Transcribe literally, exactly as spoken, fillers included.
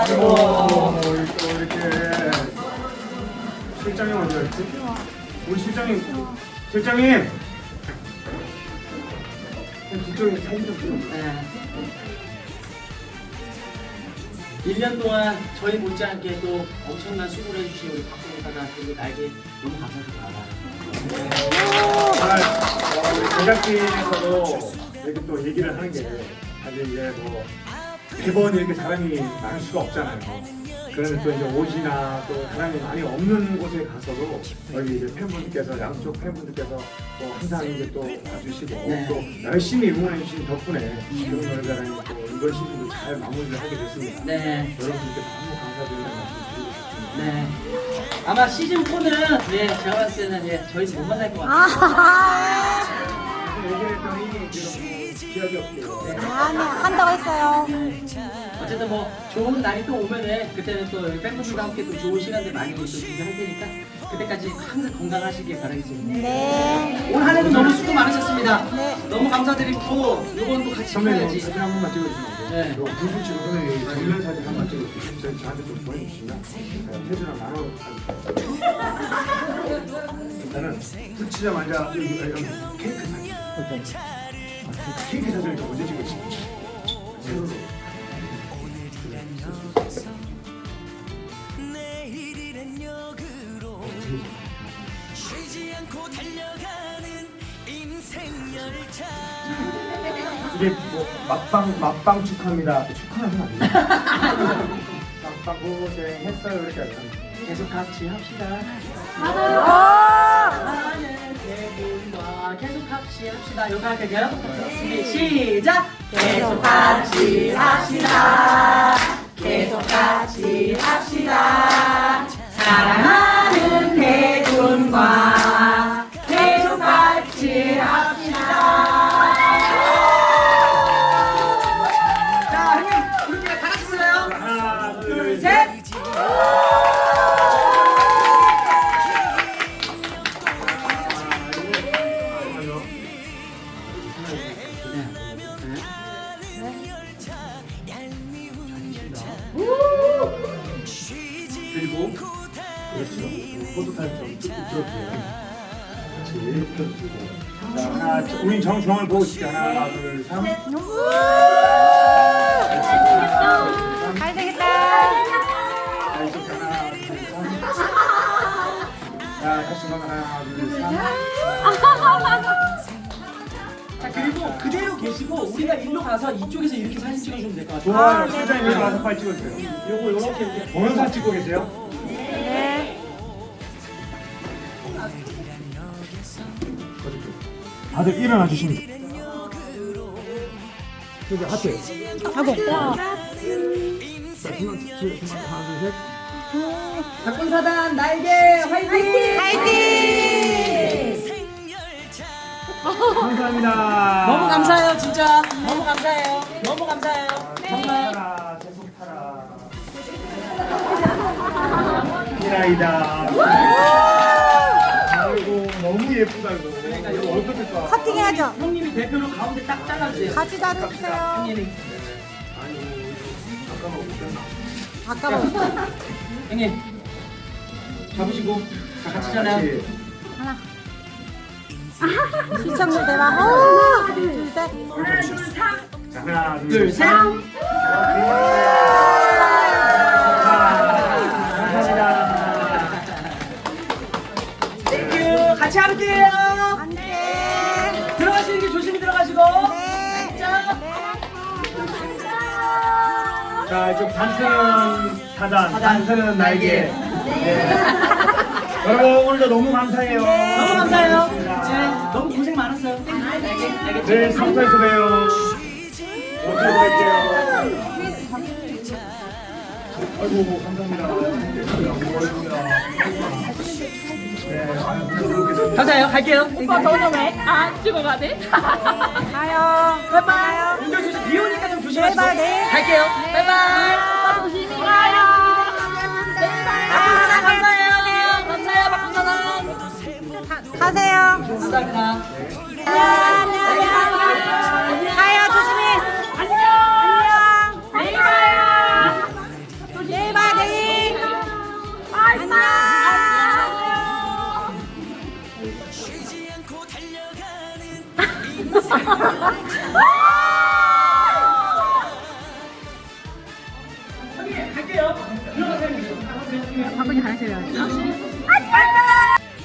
아이고, 또 이렇게 실장님 어디 갔지? 우리 실장님, 실장님. 뒤쪽에 사진 좀 찍어. 네. 일 년 동안 저희 못지않게 또 엄청난 수고를 해주신 우리 박근혜 사장 그리고 나에게 너무 감사드립니다. 정말 어, 우리 제작진에서도 이렇게 또 얘기를 하는 게 사실 이제 뭐 매번 이렇게 사람이 많을 수가 없잖아요. 그런데 또 이제 옷이나 또 사람이 많이 없는 곳에 가서도 여기 이제 팬분들께서 양쪽 팬분들께서 또 항상 이제 또 와주시고 네. 또 열심히 응원해 주신 덕분에 이런 노래자랑이 또 이번 시즌도 잘 마무리를 하게 됐습니다. 네. 여러분들께 너무 감사드린다는 말씀 드리고 싶습니다. 네. 아마 시즌 사는 예, 제가 봤을 때는 예, 저희 못 만날 것 같아요. 얘기했더니 지금 기억이 없대요. 아니, 한다고 했어요. 어쨌든 뭐 좋은 날이 또 오면은 그때는 또 팬분들과 함께 또 좋은 시간들 많이 또 준비할 테니까 그때까지 항상 건강하시길 바라겠습니다. 네. 올 한 해도 너무 수고 많으셨습니다. 네. 너무 감사드리고 요건 또 같이 선배님 해야지. 사진 한 번만 찍어주시면 돼요. 네. 요 불붙이고 선배님 정면 사진 한 번만 찍어주시면 저희 저한테 좀 보내주시면 태주랑 나눠 일단은 붙이자마자 여기 여기 케이크 사진. 아, 케이크 사진을 좀 언제 찍었지? 세로로. 내일이란 역으로 쉬지 않고 달려가는 인생 열차. 이게 뭐 막방 막방 축하합니다. 축하하면 안 돼요. 막방 고생했어요 이렇게 하면. 계속 같이 합시다. 아! 많은 대분과 계속 같이 합시다. 요거 할게요. 준비 시작. 계속 같이 합시다. 계속 같이 합시다. 사랑하는 대군과 계속 같이 합시다. 자, 형님, 우리 다 같이 불러요. 하나 둘, 셋. 그리고 그렇죠. 포토타임 좀 들어주세요. 같이 들어주고. 자 하나, 우린 정중앙을 보고 있을게. 하나, 둘, 삼. 잘 되겠다. 자 이쪽 하나, 둘, 삼. 자 다시 한번 하나, 둘, 삼. 자 그리고 그대로 계시고 우리가 일로 가서 이쪽에서 이렇게 사진 찍어주면 될 것 같아요. 좋아요. 아, 네, 실장님 네. 여기 와서 빨리 찍어주세요. 요거 요렇게 이렇게 동영상 찍고 계세요? 네. 다들 일어나 주시면 돼요. 여기 하트. 하고. 자, 중앙, 중앙, 중앙, 하나, 둘, 셋. 박군사단 나에게 화이팅! 화이팅! 감사합니다. 너무 감사해요 진짜 너무 감사해요 너무 감사해요 정말 타라, 계속 타라. 미라이다. 아이고 너무 예쁘다 이거. 그러니까 이거 이거 어떡할까? 커팅해야죠. 형님이 대표로 가운데 딱 잘라주세요. 같이 자르세요. 형님이 아니 아까 먹었잖아. 아까 먹었어. 형님 잡으시고 다 같이 잘라요. 하나. 시청률 대박. 하나, 둘, 셋. 자, 하나, 둘, 둘, 셋. 감사합니다. 땡큐 같이 할게요. 안 돼. 들어가시는 게 조심히 들어가시고. 네. 자. 자, 이쪽 단순 사단, 사단, 단순은 날개. 네. 여러분 오늘도 너무 감사해요. 너무 감사해요. 네, 너무 고생 많았어요. 땡큐. 알겠, 알겠죠? 내일 삼터에서 봬요. 어떻게 뵐게요. 아이고 감사합니다. 네, 아유, 감사해요. 갈게요. 오빠 너는 왜 안 찍어가 돼? 가요. 바이바이. 운전 조심. 비 오니까 좀 조심하시고. 바이바이, 네. 갈게요. 바이바이. 오빠 조심히 가요. 박군사단 감사해요. 감사해요. 박군사단. 가세요. 감사합니다. 안녕. 가요. 조심히. 안녕. 안녕. 내일 봐요. 갈게요. 들어가세요. 바구니 가르쳐요. 안녕.